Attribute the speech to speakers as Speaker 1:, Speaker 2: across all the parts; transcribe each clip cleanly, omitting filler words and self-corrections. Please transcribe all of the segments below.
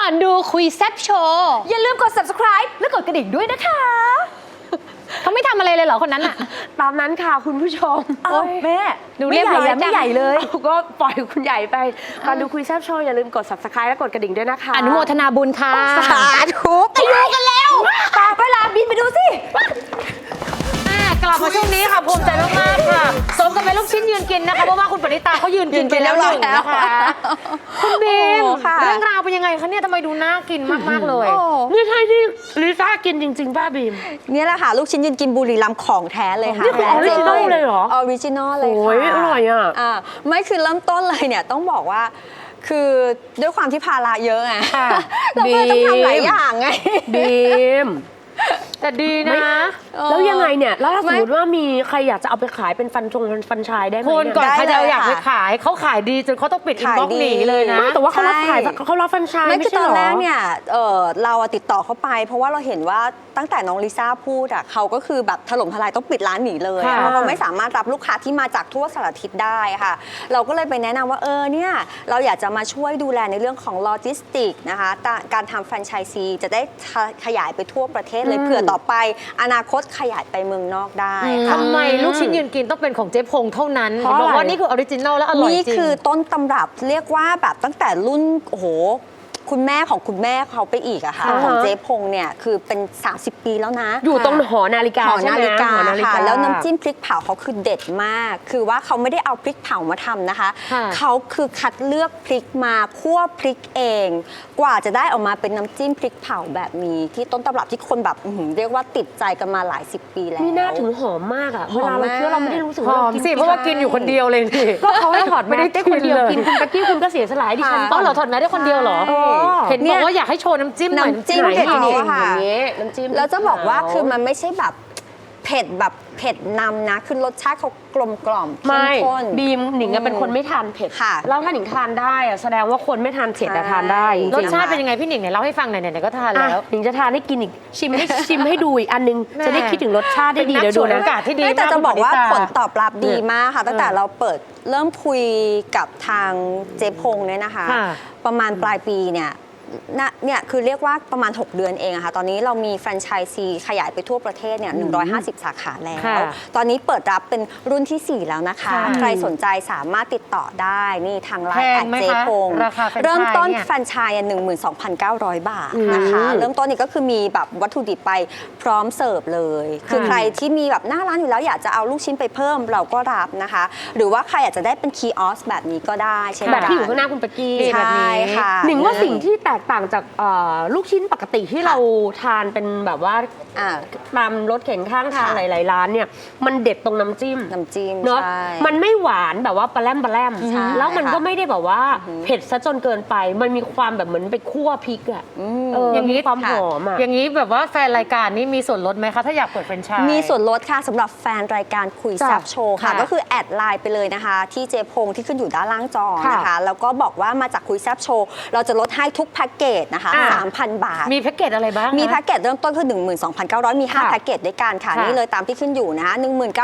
Speaker 1: อนดูคุยแซ่บโชว์
Speaker 2: อย่าลืมกด subscribe และกดกระดิ่งด้วยนะคะ
Speaker 1: เขาไม่ทำอะไรเลยเหรอคนนั้นอะ
Speaker 3: ตามนั้นค่ะคุณผู้ชม
Speaker 2: แม่
Speaker 1: ดูเรียบร้อยจัง
Speaker 2: ไม่ใหญ่เลย
Speaker 3: ก็ปล่อยคุณใหญ่ไปก่อนดูคุยแซ่บโชว์อย่าลืมกด subscribe และกดกระดิ่งด้วยนะคะ
Speaker 1: อนุโมทนาบุญค่ะ
Speaker 2: สาธุไปดูกันแล้วต่อไปลาบินไปดูสิ
Speaker 1: กลับมาช่วงนี้ค่ะภูมิใจมากๆค่ะสมกับเป็นลูกชิ้นยืนกินนะคะเพราะว่าคุณปณิตาเขายืนกินไปแล้วหนึ่งนะคะคุณบีมเรื่องราวเป็นยังไงคะเนี่ยทำไมดูน่ากินมากๆเลย
Speaker 3: นี่ใช่ที่ลิซ่ากินจริงๆป้าบีม
Speaker 2: นี่แหละค่ะลูกชิ้นยืนกินบุรีรัมย์ของแท้เลยค่ะ
Speaker 3: นี่คือออริจินอลเลยเหรอ
Speaker 2: ออริจินอลเลยค่ะ
Speaker 3: โอ้ยอร่อยอ่ะ
Speaker 2: ไม่คือเริ่มต้นเลยเนี่ยต้องบอกว่าคือด้วยความที่ภาระเยอะไงเราก็ต้องทำหลายอย่างไง
Speaker 3: บีม
Speaker 1: แต่ดีนะ
Speaker 3: แล้วยังไงเนี่ยแล้วถ้าสมมติว่ามีใครอยากจะเอาไปขายเป็นฟันชายได้ไหม
Speaker 1: คนก่อนใครจะอยากไปขายเขาขายดีจนเขาต้องปิดอินบ็อกซ์หนีเลยนะ
Speaker 3: แต่ว่าเขารับขายเขารับฟันชายไม่ใช่หรอ
Speaker 2: คือตอนแรกเนี่ยเราติดต่อเขาไปเพราะว่าเราเห็นว่าตั้งแต่น้องลิซ่าพูดเขาก็คือแบบถล่มทลายต้องปิดร้านหนีเลยเพราะเขาไม่สามารถรับลูกค้าที่มาจากทั่วสารทิศได้ค่ะเราก็เลยไปแนะนำว่าเนี่ยเราอยากจะมาช่วยดูแลในเรื่องของโลจิสติกนะคะการทำแฟรนไชส์ซีจะได้ขยายไปทั่วประเทศเลยเผื่อต่อไปอนาคตขยายไปเมืองนอกได้
Speaker 1: ทำไมลูกชิ้นยืนกินต้องเป็นของเจ๊พงเท่านั้นบอกว่านี่คือออริจินอลและอร่อยจริง
Speaker 2: นี่คือต้นตำรับเรียกว่าแบบตั้งแต่รุ่นโอ้โหคุณแม่ของคุณแม่เขาไปอีกอะค่ะของเจ๊พงเนี่ยคือเป็น30 ปีแล้วนะ
Speaker 3: อยู่ตรงหอนาฬิกา
Speaker 2: หอนาฬิกาค่ะแล้วน้ำจิ้มพริกเผาเขาคือเด็ดมากคือว่าเขาไม่ได้เอาพริกเผามาทำนะคะเขาคือคัดเลือกพริกมาคั่วพริกเองกว่าจะได้ออกมาเป็นน้ำจิ้มพริกเผาแบบนี้ที่ต้นตำรับที่คนแบบเรียกว่าติดใจกันมาหลาย10 ปีแล้ว
Speaker 3: นี่น่าถึงหอมมากอะเวลาเราเคี้ยวเราไม่ได้รู้สึกว่า
Speaker 1: หอมสิเพราะว่ากินอยู่คนเดียวเลยนี่
Speaker 3: ก็เขาให้ถอดไม่ได้คนเดียวกินคุณตะกี้คุณก็เสียสลายดิฉัน
Speaker 1: ต้องเราถอดแมสได้คนเดียวเหรอเห็นบอกว่าอยากให้โชว์น้ำจิ้มหน่อย
Speaker 2: น้ำจิ้มเด็ดค่ะ
Speaker 3: น้ำจิ้ม
Speaker 2: แล้วจะบอกว่าคือมันไม่ใช่แบบเผ็ดแบบเผ็ดนำนะคือรสชาติเขากลมกล่อมเข้มข้น
Speaker 3: บีมหนิงเป็นคนไม่ทานเผ็ดแล้วถ้าหนิงทานได้แสดงว่าคนไม่ทานเผ็ดทานได้
Speaker 1: รสชาติเป็นยังไงพี่หนิงไหนเล่าให้ฟังหน่อยก็ทานแล้ว
Speaker 3: หนิงจะทานให้กินอีกชิมให้ดูอีกอันนึงจะได้คิดถึงรสชาติได้ดีเดี๋ยวดูนะ
Speaker 1: อากาศที่ดี
Speaker 2: แต่จะบอกว่าผลตอบรับดีมากค่ะตั้งแต่เราเริ่มคุยกับทางเจ๊พงเนี่ยนะคะประมาณปลายปีเนี่ยคือเรียกว่าประมาณ6 เดือนเองอะค่ะตอนนี้เรามีแฟรนไชส์ซีขยายไปทั่วประเทศเนี่ย150 สาขาแล้วตอนนี้เปิดรับเป็นรุ่นที่4แล้วนะคะใครสนใจสามารถติดต่อได้นี่ทางไลน์แอดเจพงเริ่มต้นแฟรนไชส์12,900 บาทนะคะเริ่มต้นนี่ก็คือมีแบบวัตถุดิบไปพร้อมเสิร์ฟเลยคือใครที่มีแบบหน้าร้านอยู่แล้วอยากจะเอาลูกชิ้นไปเพิ่มเราก็รับนะคะหรือว่าใครอยากจะได้เป็นคีย์ออสแบบนี้ก็ได้ใช่ไหม
Speaker 3: แบบที่อยู่ข้างหน้าคุณเป๊กกี้
Speaker 2: ใช่ค่ะ
Speaker 3: หนิงว่าสิ่งที่แตกต่างจากลูกชิ้นปกติที่เราทานเป็นแบบว่าตามรถเข็นข้างทางหลายๆร้านเนี่ยมันเด็ดตรงน้ำจิ้มเนาะมันไม่หวานแบบว่าปลาแรมแล้วมันก็ไม่ได้แบบว่าเผ็ดซะจนเกินไปมันมีความแบบเหมือนไปคั่วพริกอะ
Speaker 1: อย่างนี้
Speaker 3: ความหอมอะ
Speaker 1: อย่างนี้แบบว่าแฟนรายการนี้มีส่วนลดไหมคะถ้าอยากเปิดแฟรนไชส์
Speaker 2: มีส่วนลดค่ะสำหรับแฟนรายการคุยแซ่บโชว์ค่ะก็คือแอดไลน์ไปเลยนะคะที่เจพงที่ขึ้นอยู่ด้านล่างจอนะคะแล้วก็บอกว่ามาจากคุยแซ่บโชว์เราจะลดให้ทุกแพ็กเกจนะคะ3,000 บาท
Speaker 1: มีแพ็กเกจอะไรบ้าง
Speaker 2: มีแพ็กเกจเริ่มต้นคือ 12,900 มี5แพ็กเกจด้วยกันค่ะนี่เลยตามที่ขึ้นอยู่นะคะ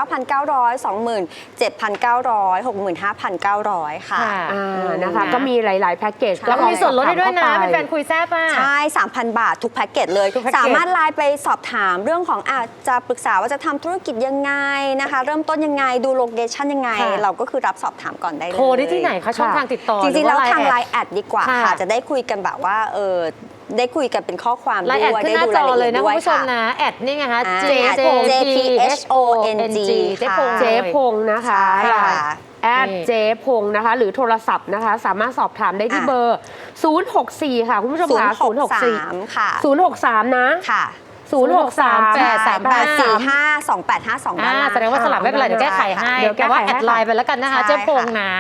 Speaker 2: 19,900 27,900 65,900 ค่ะ
Speaker 3: นะคะก็มีหลายๆแพ็กเกจ
Speaker 1: แล้วมีส่วนลดให้ด้วยนะเป็นแฟนคุยแซ่บป่ะ
Speaker 2: ใช่ 3,000 บาททุกแพ็กเกจเลยสามารถไลน์ไปสอบถามเรื่องของจะปรึกษาว่าจะทำธุรกิจยังไงนะคะเริ่มต้นยังไงดูโลเคชั่นยังไงเราก็คือรับสอบถามก่อนได้เลย
Speaker 1: โทรได้ที่ไหนคะช่องทางติดต่อ
Speaker 2: จริงๆแล้วทางไลน์แอดดีกว่าค่ะจะได้คุยกันแบบว่าได้คุยกันเป็นข้อความด้วย
Speaker 1: ได้ดูรายละเอียดด้วยคุณผู้ชมนะแอดนี่ไงคะ
Speaker 2: JPHONG
Speaker 3: เจ๊พงนะคะแอดเจ๊พงนะคะหรือโทรศัพท์นะคะสามารถสอบถามได้ที่เบอร์ 064 ค่ะคุณผู้ชมค่ะ
Speaker 2: 063 ค่ะ
Speaker 3: 063 นะ
Speaker 2: ค่ะ
Speaker 3: 063-845-2852
Speaker 1: แสดงว่าสลับไม่เป็นไรเดี๋ยวแก้ไขให้แต่ว่าแอดไลน์ไปแล้วกันนะคะเจ๊พงนะ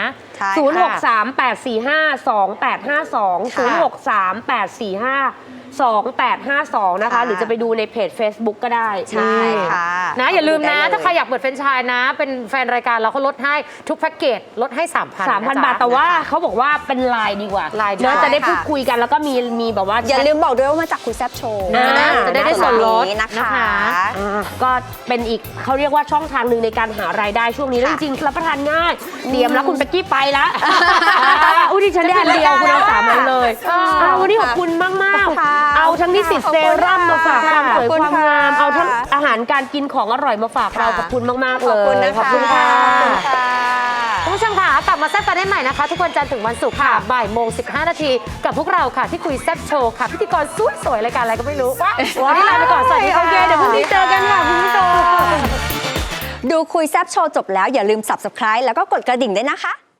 Speaker 3: 063-845-2852 นะคะหรือจะไปดูในเพจ Facebook ก็ได้
Speaker 2: ใช่ค่ะ
Speaker 1: นะอย่าลืมนะถ้าใครอยากเปิดแฟรนไชส์นะเป็นแฟนรายการเราเขาลดให้ทุกแพ็กเกจลดให้ 3,000
Speaker 3: บาทแต่ว่าเขาบอกว่าเป็นไลน์ดีกว่าเนื้อจะได้พูดคุยกันแล้วก็มีแบบว่า
Speaker 2: อย่าลืมบอกด้วยว่ามาจากคุยแซ่บโชว์
Speaker 1: จะได้ส่วนลด
Speaker 2: นะคะ
Speaker 3: ก็เป็นอีกเขาเรียกว่าช่องทางหนึ่งในการหารายได้ช่วงนี้จริงๆรับประทานง่ายเตรียมแล้วคุณเป๊กกี้ไปละอุ้ยดิฉันได้อันเดียวคุณเอา3 อันเลยวันนี้ขอบคุณมากๆเอาทั้งนิสิตเซรั่มมาฝากความสวยความงามเอาทั้งอาหารการกินของอร่อยมาฝากเราขอบคุณมากๆเลยขอบคุณค่ะ
Speaker 1: คุณผู้ชมค่ะกลับมาแซ่บกันได้ใหม่นะคะ ทุกวันจันทร์ถึงวันศุกร์ค่ะบ่ายโมง15 นาทีกับพวกเราค่ะที่คุยแซ่บโชว์ค่ะพิธีกรสวยๆรายการอะไรก็ไม่รู้วันนี้ลาไปก่อนสวัสดีค่ะ
Speaker 2: โอเคเดี๋ยวพรุ่งนี้เจอกันค่ะคุณผู้ชมดูคุยแซ่บโชว์จบแล้วอย่าลืม Subscribe แล้วก็กดกระดิ่งด้วยนะคะ